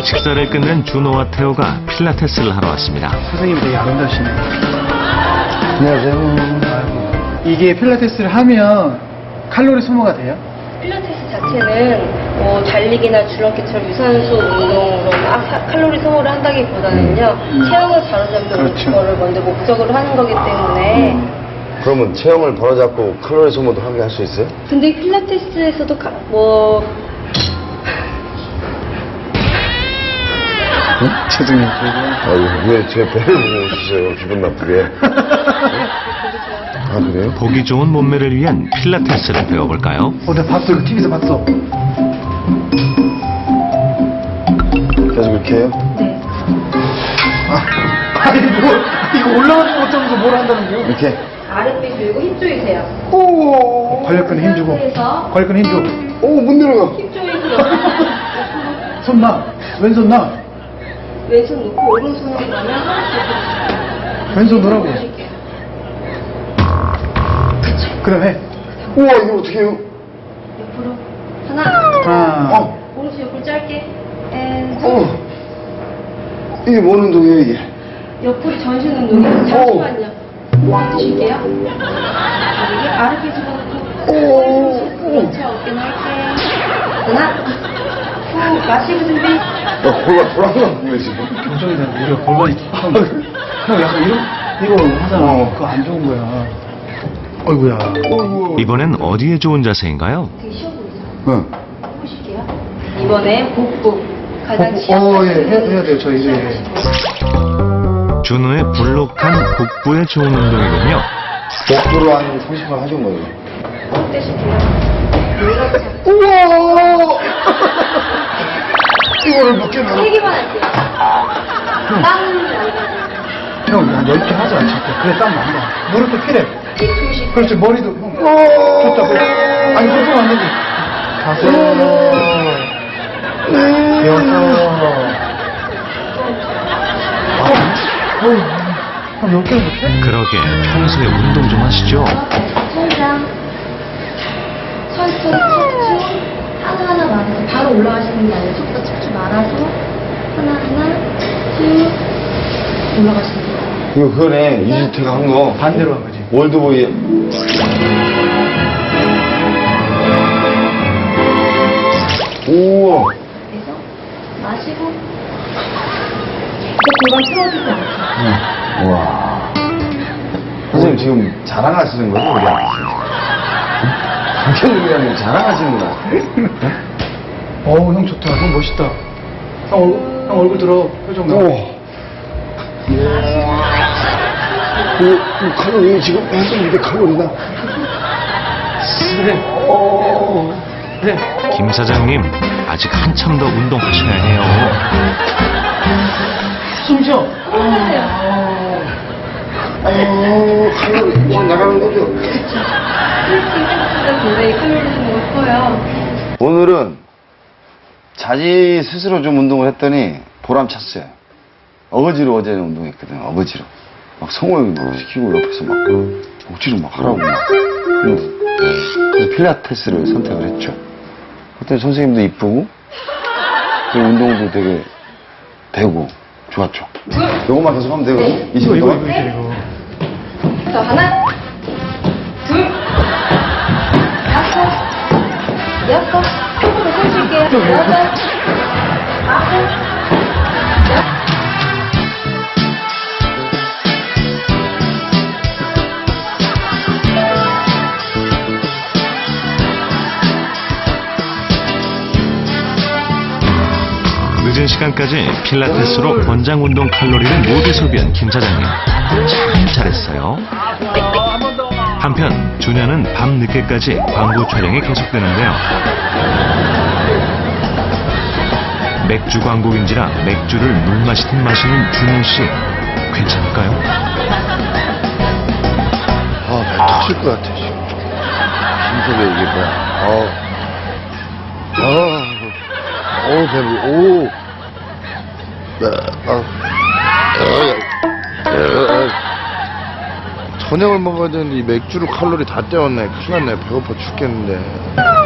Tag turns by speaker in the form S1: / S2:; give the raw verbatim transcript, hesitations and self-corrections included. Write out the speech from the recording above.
S1: 식사를 끝낸 준호와 태호가 필라테스를 하러 왔습니다.
S2: 선생님 되게 아름다우시네요.
S3: 안녕하세요.
S2: 아이고. 이게 필라테스를 하면 칼로리 소모가 돼요?
S4: 필라테스 자체는 뭐 달리기나 줄넘기처럼 유산소 운동으로 막 사- 칼로리 소모를 한다기보다는요, 체형을 바로잡는
S2: 그렇죠.
S4: 거를 먼저 목적으로 하는 거기 때문에.
S3: 그러면 체형을 바로잡고 칼로리 소모도 하게 할 수 있어요?
S4: 근데 필라테스에서도 가- 뭐
S2: 죄송해요.
S3: 아유, 왜 제 배를 보고 오시세요? 기분 나쁘게. 아, 그래요?
S1: 보기 좋은 몸매를 위한 필라테스를 배워볼까요?
S2: 어, 내가 봤어. 이거 티비에서 봤어.
S3: 계속 이렇게 해요?
S4: 네.
S2: 아니, 뭐, 이거 올라가는 것 같으면서 뭘 한다는 거야?
S3: 이렇게?
S4: 아랫배 들고 힘 조이세요.
S2: 오! 관략근에 힘 주고.
S4: 그래서
S2: 관략근에 힘 주고.
S3: 오, 못 내려가.
S4: 힘 조이세요.
S2: 손 놔. 왼손 놔.
S4: 왼손 놓고 오른손으로 가면
S2: 왼손 놓으라고.
S4: 보실게요.
S2: 그 다음에.
S3: 우와, 이거 어떻게 해요?
S4: 옆으로 하나,
S2: 하나.
S3: 어,
S4: 오른손 옆으로 짧게 앤
S3: 어. 이게 뭔 운동이에요, 이게?
S4: 옆으로 전신 운동이에요. 잠시만요. 드실게요. 여기 아랫배 집어넣고 그렇죠. 어깨 넓게 하나, 후 마시고 준비.
S3: 어, 골반 돌아가는 거야, 지금.
S2: 교정이다. 우리가 골반이. 형, 형 약간 이런, 이거 하잖아.
S3: 어.
S2: 그거 안 좋은 거야. 어이구야.
S3: 어이구.
S1: 이번엔 어디에 좋은 자세인가요?
S4: 되게 쉬워 보이죠?
S3: 응.
S4: 해보실게요. 이번에 복부 가장
S2: 복부,
S4: 취약.
S2: 어, 예, 해야, 해야 돼요, 저희. 예.
S1: 준호의 볼록한 복부에 좋은 운동이군요.
S3: 복부로 한 삼십 번 하신 거예요.
S4: 꼭 떼실게요. 이렇게 잡고
S3: 우와! 이거를 몇 개나?
S4: 세 개만 할게요. 땅
S2: 형, 한 열 개 하자, 진짜. 그래, 땀 난다. 무릎도 피래.
S4: 조이실
S2: 그렇지, 머리도. 형. 좋다, 그래. 아니, 그렇게 안 되지. 가서. 배웠어. 어우, 한 열 개는 못해?
S1: 그러게 평소에 운동 좀 하시죠.
S4: 천장 천천히 척추 하나하나 말아서 바로 올라가시는 게 아니라 속도 척추 말아서 하나하나 쭉 올라가시는 거예요.
S3: 이거 그거네, 이주태가 한 거.
S2: 반대로 한 거지.
S3: 월드보이. 우와.
S4: 그래서 마시고 그 골반 틀어지지 않게.
S3: 우와. 선생님 지금 자랑하시는 거죠, 우리 앞에서? 박현웅이랑 자랑하시는 거야.
S2: 어우, 형 좋다. 형 멋있다. 형, 얼, 형 얼굴 들어. 표정 나.
S3: 우와. 이, 이 칼로리 지금 했었는데 칼로리가.
S2: 그래. 그래.
S1: 김 사장님 아직 한참 더 운동하셔야 해요.
S2: 숨 쉬어.
S3: 어, 칼로리 지금 나가는 거죠?
S4: 생각보다 굉장히 칼로리 소모가 커요.
S3: 오늘은 자기 스스로 좀 운동을 했더니 보람 찼어요. 어거지로 어제는 운동했거든, 어거지로. 막 성호형 막 시키고 옆에서 막 억지로 막 하라고 막. 그래서 필라테스를 선택을 했죠. 그때 선생님도 이쁘고, 그 운동도 되게 되고, 좋았죠. 요것만 계속 하면 되거든, 이십
S2: 이거,
S3: 분
S2: 이거,
S3: 동안.
S2: 이거, 이거.
S4: 자, 하나, 둘, 다섯, 여섯, 조금 더 숨쉴게요. 여섯, 아홉, 열.
S1: 늦은 시간까지 필라테스로 권장 운동 칼로리를 모두 소비한 김 사장님. 참 잘했어요. 한편 준현은 밤 늦게까지 광고 촬영이 계속되는데요. 맥주 광고인지라 맥주를 물 마시듯 마시는 준호 씨. 괜찮을까요?
S3: 아, 배 터질 것 같아, 지금. 심속에 이게 뭐야. 아, 아, 어우, 배불, 오. 네, 아, 저녁을 먹어야 되는데 이 맥주로 칼로리 다 때웠네. 큰일 났네. 배고파 죽겠는데.